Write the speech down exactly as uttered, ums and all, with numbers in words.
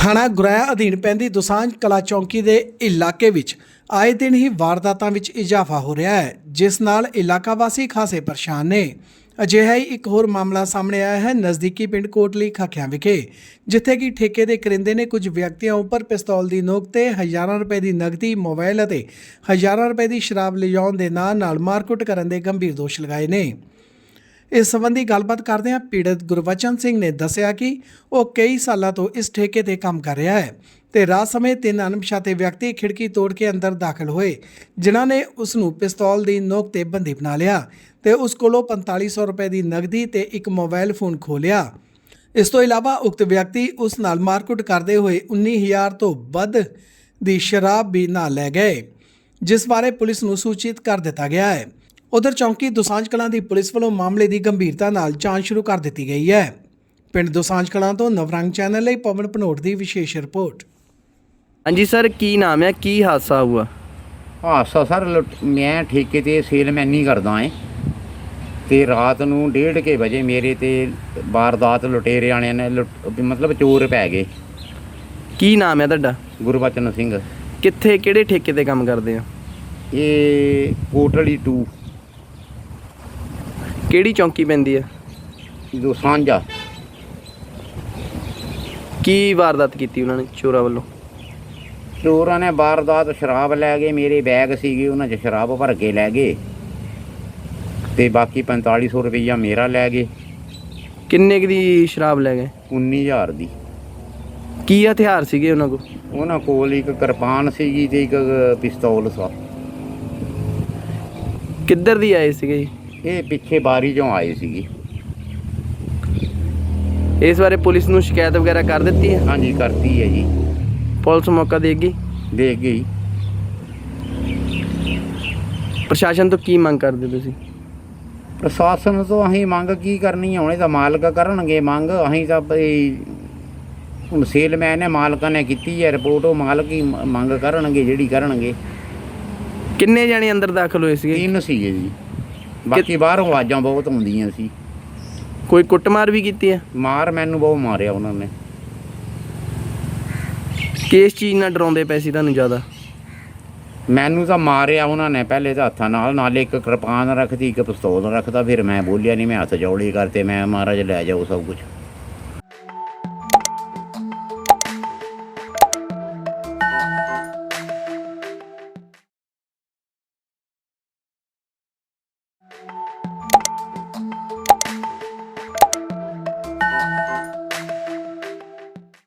ਥਾਣਾ ਗੁਰੈਆ ਅਧੀਨ ਪੈਂਦੀ ਦੁਸਾਂਝ ਕਲਾ ਚੌਂਕੀ ਦੇ ਇਲਾਕੇ ਵਿੱਚ ਆਏ ਦਿਨ ਹੀ ਵਾਰਦਾਤਾਂ ਵਿੱਚ ਇਜ਼ਾਫਾ ਹੋ ਰਿਹਾ ਹੈ, ਜਿਸ ਨਾਲ ਇਲਾਕਾ ਵਾਸੀ ਖਾਸੇ ਪਰੇਸ਼ਾਨ ਨੇ। ਅਜਿਹਾ ਹੀ ਇੱਕ ਹੋਰ ਮਾਮਲਾ ਸਾਹਮਣੇ ਆਇਆ ਹੈ ਨਜ਼ਦੀਕੀ ਪਿੰਡ ਕੋਟਲੀ ਖਾਖਿਆਂ ਵਿਖੇ, ਜਿੱਥੇ ਕਿ ਠੇਕੇ ਦੇ ਕਰਿੰਦੇ ਨੇ ਕੁਝ ਵਿਅਕਤੀਆਂ ਉੱਪਰ ਪਿਸਤੌਲ ਦੀ ਨੋਕ ਤੇ ਹਜ਼ਾਰਾਂ ਰੁਪਏ ਦੀ ਨਕਦੀ, ਮੋਬਾਈਲ ਅਤੇ ਹਜ਼ਾਰਾਂ ਰੁਪਏ ਦੀ ਸ਼ਰਾਬ ਲਿਜਾਉਣ ਦੇ ਨਾਂ ਨਾਲ ਮਾਰਕੁੱਟ ਕਰਨ ਦੇ ਗੰਭੀਰ ਦੋਸ਼ ਲਗਾਏ ਨੇ। ਇਸ ਸੰਬੰਧੀ ਗੱਲਬਾਤ ਕਰਦਿਆਂ ਪੀੜਤ ਗੁਰਬਚਨ ਸਿੰਘ ਨੇ ਦੱਸਿਆ ਕਿ ਉਹ ਕਈ ਸਾਲਾਂ ਤੋਂ ਇਸ ਠੇਕੇ ਤੇ ਕੰਮ ਕਰ ਰਿਹਾ ਹੈ ਤੇ ਰਾਤ ਸਮੇਂ ਤਿੰਨ ਅਣਪਛਾਤੇ ਵਿਅਕਤੀ ਖਿੜਕੀ ਤੋੜ ਕੇ ਅੰਦਰ ਦਾਖਲ ਹੋਏ, ਜਿਨ੍ਹਾਂ ਨੇ ਉਸ ਨੂੰ ਪਿਸਤੌਲ ਦੀ ਨੋਕ ਤੇ ਬੰਦੀ ਬਣਾ ਲਿਆ ਤੇ ਉਸ ਕੋਲੋਂ ਪੰਤਾਲੀ ਸੌ ਰੁਪਏ ਦੀ ਨਕਦੀ ਤੇ ਇੱਕ ਮੋਬਾਈਲ ਫੋਨ ਖੋਹ ਲਿਆ। ਇਸ ਤੋਂ ਇਲਾਵਾ ਉਕਤ ਵਿਅਕਤੀ ਉਸ ਨਾਲ ਮਾਰਕੁੱਟ ਕਰਦੇ ਹੋਏ ਉੱਨੀ ਹਜ਼ਾਰ ਤੋਂ ਵੱਧ ਦੀ ਸ਼ਰਾਬ ਵੀ ਨਾਲ ਲੈ ਗਏ, ਜਿਸ ਬਾਰੇ ਪੁਲਿਸ ਨੂੰ ਸੂਚਿਤ ਕਰ ਦਿੱਤਾ ਗਿਆ ਹੈ। ਉਧਰ ਚੌਂਕੀ ਦੁਸਾਂਝ ਕਲਾਂ ਦੀ ਪੁਲਿਸ ਵੱਲੋਂ ਮਾਮਲੇ ਦੀ ਗੰਭੀਰਤਾ ਨਾਲ ਜਾਂਚ ਸ਼ੁਰੂ ਕਰ ਦਿੱਤੀ ਗਈ ਹੈ। ਪਿੰਡ ਦੁਸਾਂਝ ਕਲਾਂ ਤੋਂ ਨਵਰੰਗ ਚੈਨਲ ਲਈ ਪਵਨ ਭਨੋਟ ਦੀ ਵਿਸ਼ੇਸ਼ ਰਿਪੋर्ट। ਹਾਂਜੀ ਸਰ, ਕੀ ਨਾਮ ਹੈ, ਕੀ ਹਾਦਸਾ ਹੁਆ? ਹਾਦਸਾ ਸਰ ਲੁੱਟ- ਮੈਂ ਠੇਕੇ ਤੇ ਸੇਲਮੈਨ ਹੀ ਕਰਦਾ ਏ ਤੇ ਰਾਤ ਨੂੰ ਡੇਢ ਕੇ ਵਜੇ ਮੇਰੇ ਤੇ ਵਾਰਦਾਤ ਲੁਟੇਰੇ ਵਾਲਿਆਂ ਨੇ ਲੁੱਟ- ਮਤਲਬ ਚੋਰ ਪੈ ਗਏ। ਕੀ ਨਾਮ ਹੈ ਤੁਹਾਡਾ? ਗੁਰਬਚਨ ਸਿੰਘ। ਕਿੱਥੇ, ਕਿਹੜੇ ਠੇਕੇ ਤੇ ਕੰਮ ਕਰਦੇ ਹੋ? ਇਹ ਕੋਟਲੀ ਟੂ ਕਿਹੜੀ ਚੌਂਕੀ ਪੈਂਦੀ ਹੈ? ਦੁਸਾਂਝਾ। ਕੀ ਵਾਰਦਾਤ ਕੀਤੀ ਉਹਨਾਂ ਨੇ ਚੋਰਾਂ ਵੱਲੋਂ? ਚੋਰਾਂ ਨੇ ਵਾਰਦਾਤ ਸ਼ਰਾਬ ਲੈ ਗਏ, ਮੇਰੇ ਬੈਗ ਸੀਗੇ ਉਹਨਾਂ 'ਚ ਸ਼ਰਾਬ ਭਰ ਕੇ ਲੈ ਗਏ ਤੇ ਬਾਕੀ ਪੰਤਾਲੀ ਸੌ ਰੁਪਈਆ ਮੇਰਾ ਲੈ ਗਏ। ਕਿੰਨੇ ਕੁ ਦੀ ਸ਼ਰਾਬ ਲੈ ਗਏ? ਉੱਨੀ ਹਜ਼ਾਰ ਦੀ। ਕੀ ਹਥਿਆਰ ਸੀਗੇ ਉਹਨਾਂ ਕੋਲ? ਉਹਨਾਂ ਕੋਲ ਇੱਕ ਕਿਰਪਾਨ ਸੀਗੀ ਤੇ ਇੱਕ ਪਿਸਤੌਲ ਸੀ। ਕਿੱਧਰ ਦੀ ਆਏ ਸੀਗੇ ਜੀ? ਇਹ ਪਿੱਛੇ ਬਾਰੀ 'ਚੋਂ ਆਏ ਸੀਗੇ। ਇਸ ਬਾਰੇ ਪੁਲਿਸ ਨੂੰ ਸ਼ਿਕਾਇਤ ਵਗੈਰਾ ਕਰ ਦਿੱਤੀ ਹੈ? ਹਾਂਜੀ ਕਰਤੀ ਹੈ ਜੀ, ਪੁਲਿਸ ਮੌਕਾ ਦੇਗੀ? ਦੇਖ ਗਈ। ਪ੍ਰਸ਼ਾਸਨ ਤੋਂ ਕੀ ਮੰਗ ਕਰਦੇ ਤੁਸੀਂ? ਪ੍ਰਸ਼ਾਸਨ ਤੋਂ ਅਸੀਂ ਮੰਗ ਕੀ ਕਰਨੀ ਹੈ, ਹੁਣ ਇਹ ਤਾਂ ਮਾਲਕ ਕਰਨਗੇ ਮੰਗ। ਅਸੀਂ ਤਾਂ ਬਈ ਹੁਣ ਸੇਲਮੈਨ ਨੇ, ਮਾਲਕਾਂ ਨੇ ਕੀਤੀ ਹੈ ਰਿਪੋਰਟ, ਉਹ ਮਾਲਕ ਹੀ ਮ- ਮੰਗ ਕਰਨਗੇ ਜਿਹੜੀ ਕਰਨਗੇ। ਕਿੰਨੇ ਜਾਣੇ ਅੰਦਰ ਦਾਖਲ ਹੋਏ ਸੀਗੇ? ਤਿੰਨ ਸੀਗੇ ਜੀ, ਬਾਕੀ ਬਾਹਰੋਂ ਆਵਾਜ਼ਾਂ ਬਹੁਤ ਆਉਂਦੀਆਂ ਸੀ। ਕੋਈ ਕੁੱਟਮਾਰ ਵੀ ਕੀਤੀ ਹੈ? ਮਾਰ ਮੈਨੂੰ ਬਹੁਤ ਮਾਰਿਆ ਉਹਨਾਂ ਨੇ। ਕਿਸ ਚੀਜ਼ ਨਾਲ ਡਰਾਉਂਦੇ ਪਏ ਸੀ ਤੁਹਾਨੂੰ ਜ਼ਿਆਦਾ? ਮੈਨੂੰ ਤਾਂ ਮਾਰਿਆ ਉਹਨਾਂ ਨੇ ਪਹਿਲੇ ਤਾਂ ਹੱਥਾਂ ਨਾਲ, ਨਾਲੇ ਇੱਕ ਕਿਰਪਾਨ ਰੱਖਦੀ, ਇੱਕ ਪਿਸਤੌਲ ਰੱਖਦਾ। ਫਿਰ ਮੈਂ ਬੋਲਿਆ ਨਹੀਂ, ਮੈਂ ਹੱਥ ਜੋੜੇ ਕਰਤੇ, ਮੈਂ ਮਹਾਰਾਜ ਲੈ ਜਾਓ ਸਭ ਕੁਝ।